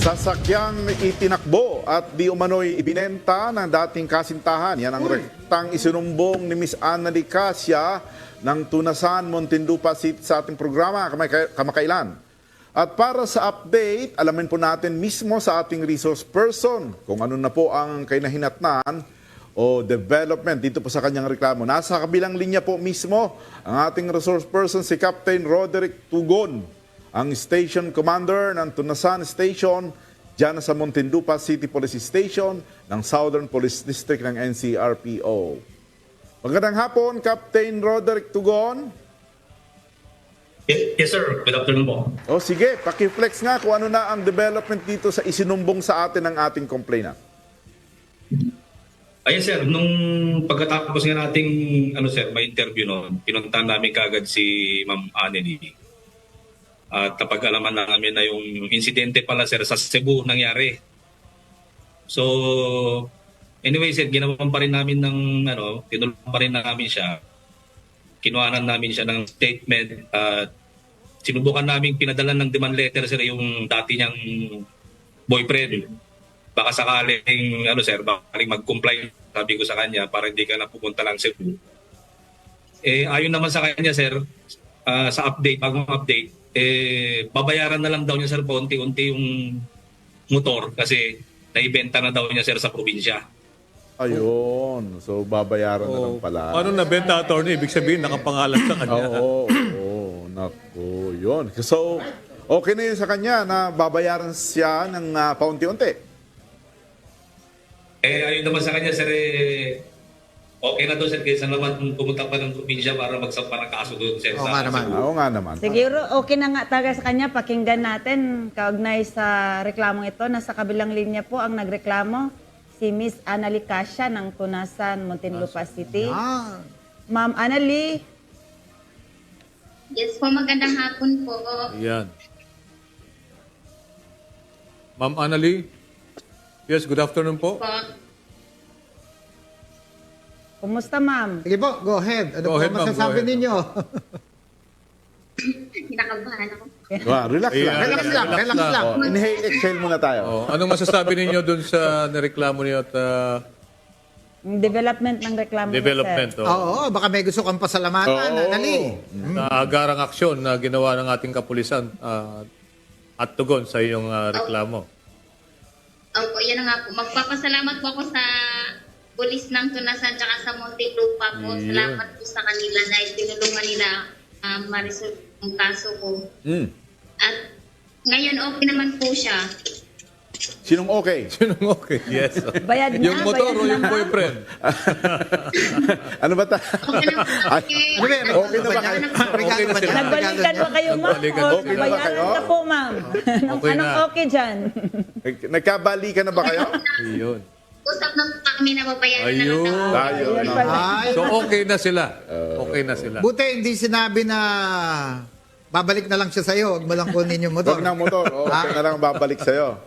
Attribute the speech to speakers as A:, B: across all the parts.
A: Sasakyang itinakbo at di umano'y ibinenta ng dating kasintahan. Yan ang rektang isinumbong ni Miss Anna Licasia ng Tunasan, Muntinlupa City sa ating programa kamakailan. At para sa update, alamin po natin mismo sa ating resource person kung ano na po ang kainahinatnan o development dito po sa kanyang reklamo. Nasa kabilang linya po mismo ang ating resource person si Captain Roderick Tugon, ang station commander ng Tunasan Station dyan sa Muntinlupa City Police Station ng Southern Police District ng NCRPO. Magandang hapon, Captain Roderick Tugon.
B: Yes, sir. Good afternoon po.
A: O sige, pakiflex nga kung ano na ang development dito sa isinumbong sa atin ng ating complainant.
B: Ayun, sir. Nung pagkatapos nga nating may interview noon, pinuntahan namin kaagad si Ma'am Anneli. At napag-alaman namin na yung insidente pala, sir, sa Cebu nangyari. So, anyway, sir, ginawan pa rin namin tinulungan pa rin namin siya. Kinuhanan namin siya ng statement at sinubukan namin pinadala ng demand letter, sir, yung dati niyang boyfriend. Baka sakaling, bakaling mag-comply, sabi ko sa kanya, para hindi ka na pupunta lang Cebu. Ayon naman sa kanya, sir, sa update, bagong update, babayaran na lang daw niya, sir, paunti-unti yung motor kasi naibenta na daw niya, sir, sa probinsya.
A: Ayun. So, babayaran na lang pala.
C: Paano nabenta, attorney? Ibig sabihin, nakapangalan sa kanya.
A: Oo. Naku, yun. So, okay na yun sa kanya na babayaran siya ng paunti-unti.
B: Ayun naman sa kanya, sir, okay na doon, sir, kaysa naman pumunta pa ng probinsya para magsampa ng kaso doon, sir.
D: Oo nga naman.
A: Oo nga naman.
E: Siguro okay na nga talaga sa kanya. Pakinggan natin kaugnay sa reklamong ito. Nasa kabilang linya po ang nagreklamo si Miss Anna Licasia ng Tunasan, Muntinlupa City. Ma'am Annalie.
F: Yes po, magandang hapon po.
C: Ayan. Ma'am Annalie? Yes, good afternoon po.
E: Kumusta, ma'am?
D: Sige po, go ahead. Ano
C: Go
D: po
C: ahead, ma'am,
D: masasabi
C: go ahead.
D: ninyo?
F: Kinakabahan ako.
A: Relax lang.
D: Relax lang.
A: Inhale, exhale muna tayo.
C: Anong masasabi ninyo dun sa nareklamo niyo at
E: Yung development ng reklamo niya,
C: development?
E: sir.
D: Oo, baka may gusto kang pasalamatan, Anali.
C: Na agarang aksyon na ginawa ng ating kapulisan at tugon sa iyong reklamo.
F: Opo, yan na nga po. Magpapasalamat po ako sa pulis ng Tunasan tsaka sa Muntinlupa po.
C: Yeah.
F: Salamat po sa kanila dahil tinulungan nila ma-resolve ang kaso ko. At ngayon okay naman po siya.
A: Sinong okay?
C: Sinong okay? Yes.
E: Bayad na,
C: Yung motor
E: bayad
C: o yung
E: na.
C: boyfriend?
A: Ano ba ta?
F: Okay na po. Okay.
D: Ano ba,
A: Okay na ba kayo?
D: Regalo ba
C: Okay
D: niya?
C: na
E: Nagbalikan ba kayo, ma'am?
C: Nagbalikan.
E: O
A: Okay na ba
E: bayaran
A: kayo?
E: na po, ma'am?
C: Okay
E: Anong
C: na.
E: okay dyan?
A: Nagkabalikan na ba kayo?
C: Ayun.
F: Usap na po kami na babayaran na lang
C: Ayun.
F: daw.
A: Tayo.
E: Ayun
A: no?
E: pala.
D: Ay,
C: So okay na sila. Okay na sila.
D: buti hindi sinabi na babalik na lang siya sa'yo. Huwag mo lang kunin yung motor.
A: Huwag ng motor. Okay na lang babalik sa'yo.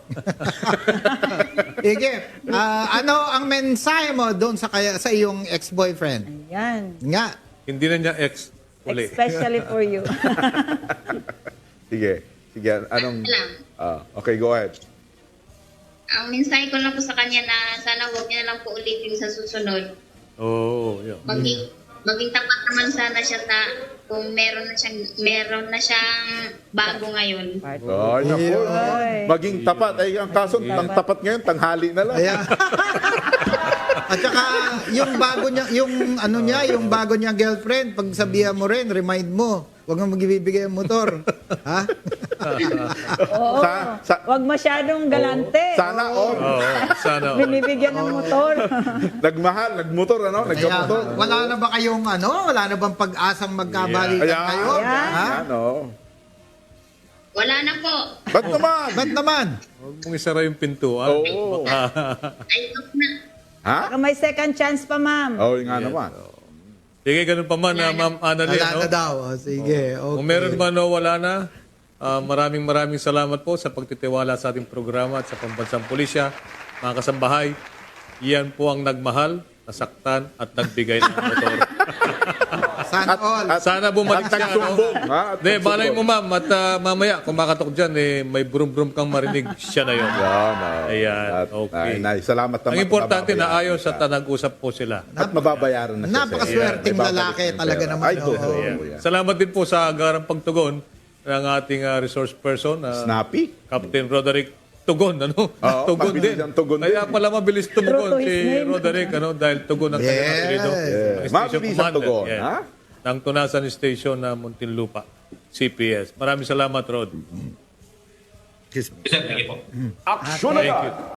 D: Sige. Ano ang mensahe mo doon sa iyong ex-boyfriend?
E: Yan.
D: Nga.
C: Hindi na niya ex uli.
E: Especially for you.
A: Sige. Sige. Anong...
F: Lang.
A: Okay, go ahead.
F: Ang mensahe ko lang po sa kanya na sana huwag niya na lang po ulitin sa susunod.
C: Oo. Yeah.
F: Maging tapat naman sana siya sa kung meron na siyang bago ngayon.
A: Ay, naku.
E: Ay.
A: Maging tapat. Ay, ang kaso, ang tapat ngayon, tanghali na lang.
D: Ayan. At saka, yung bago niya girlfriend, pag sabihan mo rin, remind mo, huwag mo magbibigay ang motor. Ha?
E: Oo. Huwag masyadong galante.
A: Sana all.
C: Oo. Sana.
E: Binibigyan ng motor.
A: Nagmahal, nagmotor, ano?
D: Kaya,
A: Nagkamotor.
D: wala na ba kayong wala na bang pag-asang magkabalikan
A: Ayan.
D: kayo?
E: Ayan.
D: Ha?
A: Ano?
F: Wala na po.
A: Ba't naman?
D: Ba't naman?
C: Huwag mong isara yung pintuan.
A: Oo.
F: Ay, stop na.
A: Ha?
E: Baka may second chance pa, ma'am.
A: Oo, nga naman.
C: Sige, ganun pa man, Ma'am Annalie.
D: Wala
C: no?
D: na daw. O, sige. Okay.
C: Kung meron man o wala na, maraming salamat po sa pagtitiwala sa ating programa at sa Pambansang Pulisya. Mga kasambahay, iyan po ang nagmahal, nasaktan at nagbigay ng motor.
D: Sana all.
C: Sana bumalik
A: at
C: siya.
A: nagsumbong, ha? At
C: Hindi, balay
A: nagsumbong.
C: mo ma'am. At mamaya, kung makatok dyan, may brum-brum kang marinig. Siya na yun.
A: Yan,
C: Ayan,
A: at,
C: okay.
A: salamat naman.
C: Ang importante na
A: mababayaran
C: ayos
A: siya.
C: at nag-usap po sila.
A: At mababayaran na siya.
D: Napakaswerteng
A: May babalik
D: lalaki
A: ng
D: talaga
A: pera.
D: naman,
A: Ay,
D: oo.
A: totoo.
C: Ayan.
A: Yan.
C: Salamat din po sa agarang pagtugon ng ating resource person,
A: Snappy?
C: Captain Roderick Tugon, ano?
A: Oo,
C: Tugon
A: mabilis
C: din.
A: ang tugon
C: Kaya
A: din.
C: pala mabilis tumugon
E: True to his
C: si
E: name.
C: Roderick, ano? Dahil tugon ang kanyang
D: Yes.
C: apelido.
A: Yes.
C: Station
A: Mabilis ang
C: commander,
A: tugon,
C: yeah.
A: ha?
C: Ng Tunasan Station na Muntinlupa, CPS. Maraming salamat, Rod.
B: Sir, thank you po.
A: Action
C: Thank
A: agad!
C: you.